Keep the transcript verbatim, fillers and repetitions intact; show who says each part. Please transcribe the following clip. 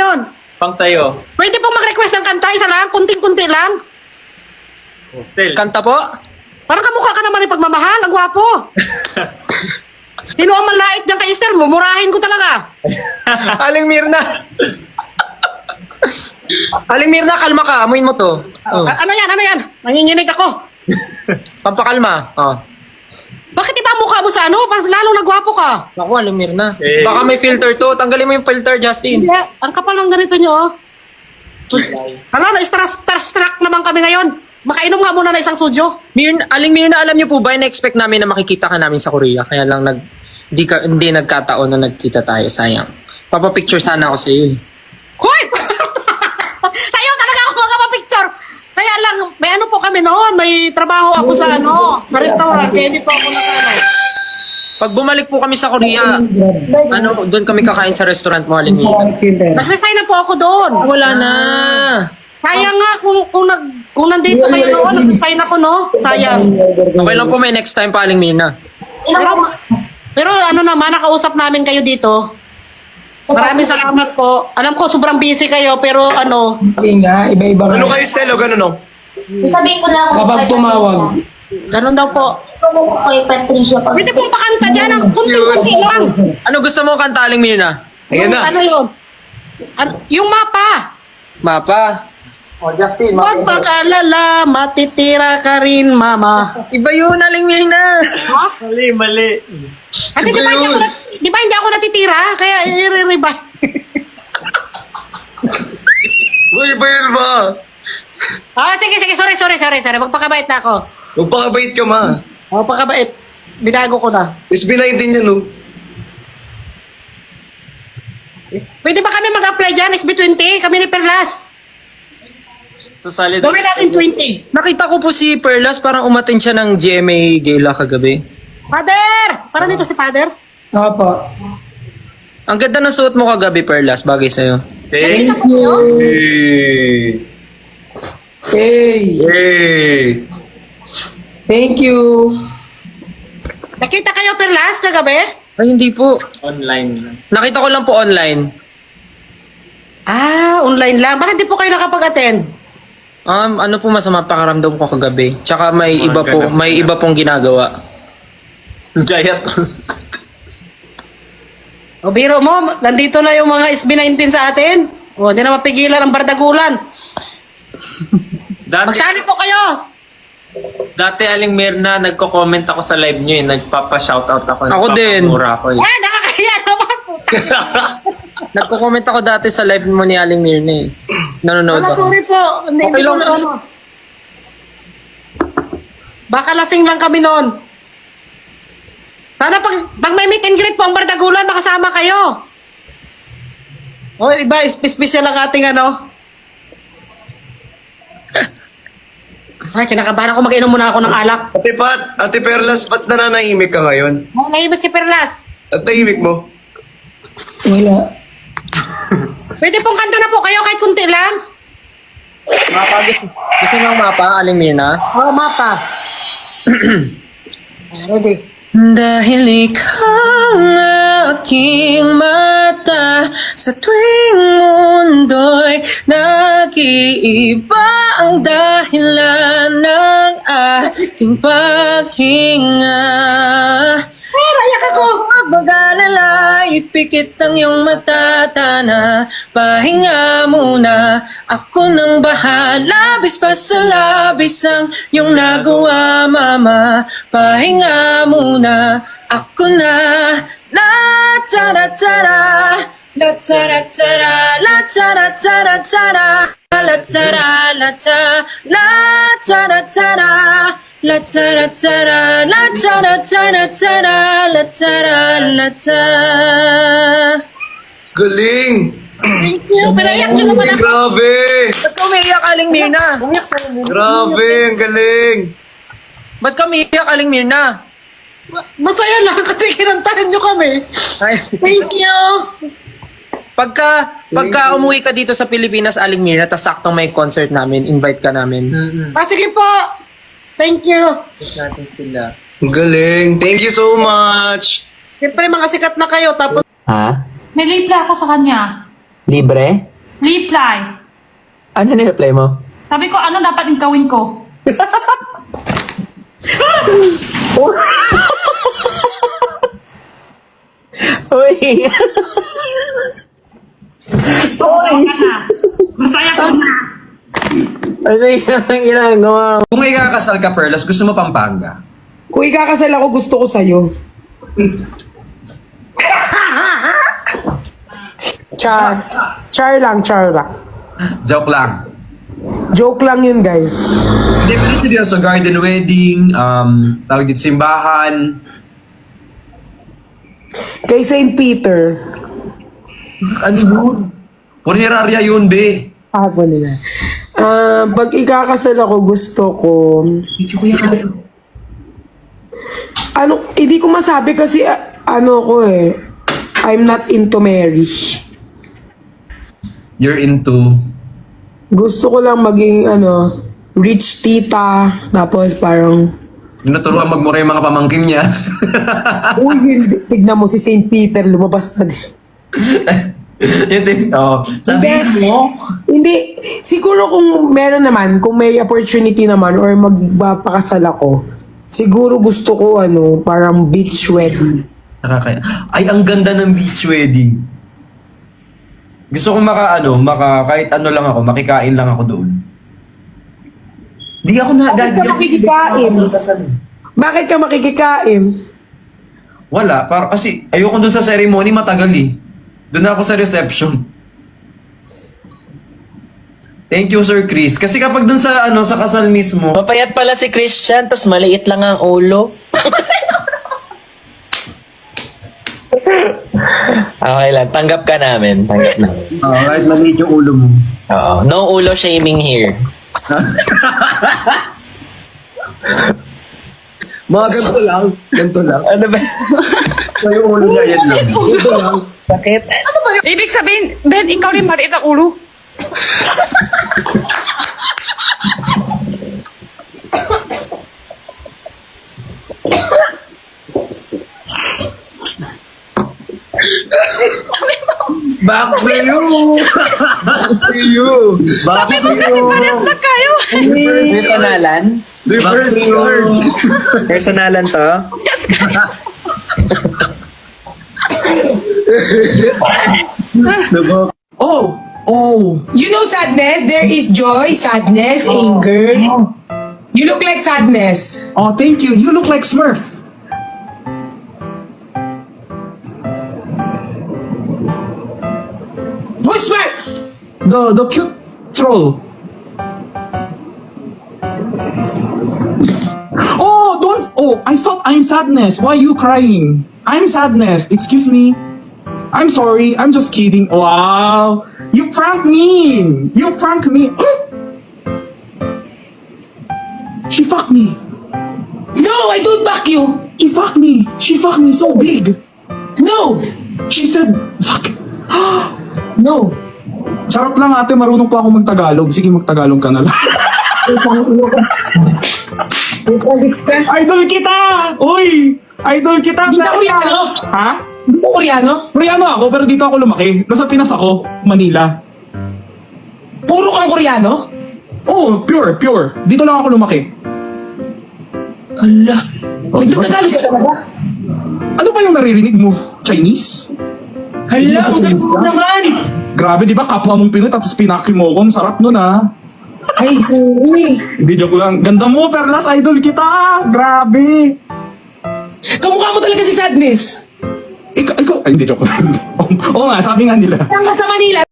Speaker 1: yun?
Speaker 2: Pang sa'yo.
Speaker 1: Pwede pong mag-request ng kanta, isa lang, kunting-kunti lang.
Speaker 2: Hostel.
Speaker 3: Kanta po?
Speaker 1: Parang kamukha ka naman ng pagmamahal, ang gwapo. Sino ang malait dyan kay Esther? Mumurahin ko talaga.
Speaker 3: Aling Mirna. Aling Mirna, kalma ka. Amuin mo to. Oh.
Speaker 1: A- ano yan, ano yan? Nanginginig ako.
Speaker 3: Pampakalma. Oh.
Speaker 1: Bakit iba ang mukha mo sa ano? Mas lalo nagwapo ka.
Speaker 3: Ako, Aling Mirna.
Speaker 2: Eh.
Speaker 3: Baka may filter to. Tanggalin mo yung filter, Justin.
Speaker 1: Hindi, ang kapal ng ganito nyo, oh. Ano, na-starstruck naman kami ngayon. Makainom nga muna na isang sujo.
Speaker 3: Mirna, Aling Mirna, alam niyo po ba, na-expect namin na makikita ka namin sa Korea. Kaya lang nag, di ka, hindi nagkataon na nagkita tayo. Sayang. Papapicture sana ako sa iyo.
Speaker 1: Hoy! Tayo talaga ako magpapicture. Kaya lang, may ano po kami noon. May trabaho ako sa ano, sa restaurant. Kaya hindi po ako nakano.
Speaker 3: Pag bumalik po kami sa Korea, ano, doon kami kakain sa restaurant mo, Aling Mirna.
Speaker 1: Nag-resign na po ako doon.
Speaker 3: Wala na.
Speaker 1: Sayang nga kung, kung, nag, kung nandito kayo noon, nag-resign ako, no? Sayang.
Speaker 3: Okay lang po, may next time pa, Aling Mirna.
Speaker 1: Pero, pero ano naman, nakausap namin kayo dito. Maraming salamat po. Alam ko, sobrang busy kayo, pero ano,
Speaker 4: Hindi nga, iba-iba nga.
Speaker 5: Ano kayo, Stelo? Ganun, no?
Speaker 6: Sabihin ko lang
Speaker 4: Kapag tumawag.
Speaker 1: ganun daw po.
Speaker 6: kung kay Patricia pag
Speaker 1: Pwede pong pakanta dyan, ang kunti-kunti lang.
Speaker 3: Ano gusto mo kanta, Aling Mirna?
Speaker 5: Ayan
Speaker 1: Yung
Speaker 5: na.
Speaker 1: Ano yun? Ano, yung mapa.
Speaker 3: Mapa. Oh, Justin,
Speaker 1: Huwag mag-alala, matitira ka rin, mama.
Speaker 3: Iba yun, Aling Mirna.
Speaker 1: Ha?
Speaker 2: Mali, mali.
Speaker 1: Kasi di ba hindi ako, nat- di ba hindi ako natitira? Kaya i-revive.
Speaker 5: Uy, bayan ba?
Speaker 1: Ah, sige, sige, sorry, sorry, sorry, sorry. Magpakabait na ako.
Speaker 5: Magpakabait ka, ma.
Speaker 1: Oh, pagkabait. Binago ko na.
Speaker 5: S B nineteen yan, no?
Speaker 1: Pwede ba kami mag-apply dyan? S B twenty? Kami ni Perlas.
Speaker 2: So, solid.
Speaker 1: Gawin natin twenty.
Speaker 3: Nakita ko po si Perlas, parang umattend siya ng G M A Gala kagabi.
Speaker 1: Father! Parang dito si Father.
Speaker 4: Apa.
Speaker 3: Ang ganda ng suot mo kagabi, Perlas, bagay sa'yo.
Speaker 2: Thank
Speaker 1: Nakita ko yun.
Speaker 5: Hey.
Speaker 4: Hey,
Speaker 5: Hey.
Speaker 4: thank you.
Speaker 1: Nakita kayo Perlas kagabi?
Speaker 3: Ay, hindi po.
Speaker 2: Online lang.
Speaker 3: Nakita ko lang po online.
Speaker 1: Ah, online lang. Bakit di po kayo nakapag-attend?
Speaker 3: Um, ano po masama pakaramdam ko kagabi? Tsaka may
Speaker 2: Mga
Speaker 3: iba po,
Speaker 2: ganap
Speaker 3: may
Speaker 2: na.
Speaker 3: iba pong ginagawa.
Speaker 2: Gayat.
Speaker 1: O biro mo, nandito na yung mga S B nineteen sa atin. O, hindi na mapigilan ang bardagulan.
Speaker 2: Dati,
Speaker 1: Magsali po kayo.
Speaker 2: dati Aling Mirna, nagko-comment ako sa live nyo eh. Nagpapa-shoutout ako.
Speaker 3: Ako din.
Speaker 2: Nagpapamura ako eh.
Speaker 1: Ah, nakakahiya naman po.
Speaker 3: Nagko-comment ako dati sa live mo ni Aling Mirna eh. Nanonood
Speaker 1: Wala,
Speaker 3: ako.
Speaker 1: sorry po. Hindi,
Speaker 3: Okay
Speaker 1: hindi ko
Speaker 3: lang.
Speaker 1: na ano. Baka lasing lang kami noon. Sana pag, pag may meet and greet po ang bardagulan, makasama kayo. O, iba, special lang ating ano. Ay, kinakabahan ako. Mag-inom muna ako ng alak.
Speaker 5: Ate Pat, Ate Perlas, ba't nananahimik ka ngayon?
Speaker 1: Ay, nahimik si Perlas.
Speaker 5: At tahimik mo?
Speaker 4: Wala.
Speaker 1: Pwede pong kanta na po kayo kahit kunti lang.
Speaker 3: Mapa, gusto, gusto nyo ang mapa, Aling Mirna?
Speaker 1: Oo, mapa. Ready.
Speaker 3: Dahil ikaw ang aking mata sa tuwing mundo'y nag-iiba ang dahilan ng ating paghinga.
Speaker 1: Ay, rayak ako.
Speaker 3: Mag-alala, ipikit ang iyong matatana. Pahinga muna, ako nang bahala. Labis pa sa labis ang iyong nagawa, mama. Pahinga muna, ako na. La tara tara, la tara tara, la tara tara tara, la tara la tara, la tara tara. La tara tara, la tara tara tara, la tara la tara.
Speaker 5: Galing!
Speaker 1: Thank you. Pinayak niyo naman
Speaker 5: Uy,
Speaker 1: ako.
Speaker 5: grabe!
Speaker 3: Ba't ka umiiyak, Aling Mirna?
Speaker 5: Grabe, ang galing!
Speaker 3: Ba't ka umiiyak, Aling Mirna?
Speaker 1: Masaya lang kasi kinantahan niyo kami.
Speaker 3: Ay,
Speaker 1: Thank you.
Speaker 3: pagka, pagka umuwi ka dito sa Pilipinas, Aling Mirna, tas saktong may concert namin, invite ka namin.
Speaker 1: Ah, sige po. Thank you.
Speaker 3: Natin sila.
Speaker 5: Ang galing! Thank you so much!
Speaker 1: Siyempre, mga sikat na kayo. Tapos,
Speaker 7: Ha?
Speaker 6: may reply ako sa kanya.
Speaker 7: Libre? reply.
Speaker 2: Ano ni-reply mo?
Speaker 7: Sabi ko, ano dapat yung gawin ko?
Speaker 2: Uy!
Speaker 7: Masaya ka na. Masaya ka na.
Speaker 2: Ano yung ginagawa mo?
Speaker 8: Kung ikakasal ka, Perlas, gusto mo Pampanga?
Speaker 4: Kung ikakasal ako, gusto ko sa'yo. Char. Char lang, char lang.
Speaker 8: Joke lang.
Speaker 4: Joke lang yun, guys.
Speaker 8: Hindi, pero seryoso, garden wedding, um, tawag dito simbahan.
Speaker 4: Kay Saint Peter.
Speaker 8: Ano yun? Punerarya yun, be.
Speaker 4: Ako nila. Ah, pag ikakasal ako, gusto ko...
Speaker 8: Hindi ko yan.
Speaker 4: Ano, hindi ko masabi kasi ah, ano ko eh. I'm not into marriage.
Speaker 8: You're into...
Speaker 4: Gusto ko lang maging ano, rich tita, tapos parang,
Speaker 8: Naturuan magmura yung mga pamangkin niya.
Speaker 4: uy, hindi. Tignan mo si Saint Peter, lumabas na din.
Speaker 8: Yun din, oh. Sabihin
Speaker 4: Hindi.
Speaker 8: mo.
Speaker 4: Hindi, siguro kung meron naman, kung may opportunity naman or magpapakasal ako, siguro gusto ko ano, parang beach wedding.
Speaker 8: Nakakaya. Ay, ang ganda ng beach wedding. Gusto kong maka, ano, maka, kahit ano lang ako, makikain lang ako doon. Hindi ako na...
Speaker 4: Bakit ka makikikain? Bakit ka makikikain?
Speaker 8: Wala, para, kasi ayoko doon sa ceremony, matagal eh. Doon ako sa reception. Thank you, Sir Chris. Kasi kapag doon sa, ano, sa kasal mismo,
Speaker 2: Mapayat pala si Christian, tapos maliit lang ang ulo. Okay lang, tanggap ka namin. Tanggap namin.
Speaker 8: oh, right, maliit yung ulo mo.
Speaker 2: Oo. No ulo shaming here.
Speaker 5: Mga ganito lang. Ganito lang.
Speaker 2: Ano ba?
Speaker 5: So, yung ulo niya, yan lang. Ganito lang.
Speaker 2: Sakit?
Speaker 7: Ibig sabihin, Ben, ikaw rin maliit ang ulo.
Speaker 5: Back to you! Back to you! Back to you!
Speaker 7: Na kayo.
Speaker 2: Personalan?
Speaker 5: Reverse card!
Speaker 2: Personalan to?
Speaker 7: Yes, kayo.
Speaker 8: Oh! Oh!
Speaker 4: You know sadness? There is joy, sadness, anger. You look like sadness.
Speaker 8: Oh, thank you. You look like Smurf.
Speaker 4: Who's smart?
Speaker 8: The, the cute troll. Oh, don't. Oh, I thought I'm sadness. Why are you crying? I'm sadness. Excuse me. I'm sorry. I'm just kidding. Wow. You prank me. You prank me. She fucked me.
Speaker 4: No, I don't back you.
Speaker 8: She fucked me. She fucked me so big.
Speaker 4: No,
Speaker 8: She said, fuck.
Speaker 4: no.
Speaker 8: Charot lang ate, marunong pa ako magtagalog. Sige, magtagalog ka na lang. Idol kita! Uy! Idol kita!
Speaker 4: Hindi ka Koreano?
Speaker 8: Ha?
Speaker 4: Hindi ko Koreano?
Speaker 8: Koreano ako, pero dito ako lumaki. Nasa Pinas ako, Manila.
Speaker 4: Puro kang Koreano?
Speaker 8: Oh, pure, pure. Dito lang ako lumaki.
Speaker 4: Ala.
Speaker 8: Oh,
Speaker 4: Nagtatagalog ka talaga?
Speaker 8: Ano ba yung naririnig mo? Chinese?
Speaker 4: Hala, ang ganda mo naman.
Speaker 8: Grabe, di ba? Kapwa mong Pinoy, tapos pinaki mo ko. Ang sarap nun, ah.
Speaker 4: Ay, sorry.
Speaker 8: Hindi, joke lang. Ganda mo, Perlas. Idol kita. Grabe.
Speaker 4: Kamukha mo talaga si Sadness.
Speaker 8: Ikaw, ikaw. Ay, hindi, joke lang. Oo nga, sabi nga nila.
Speaker 4: Saan ka sa Manila?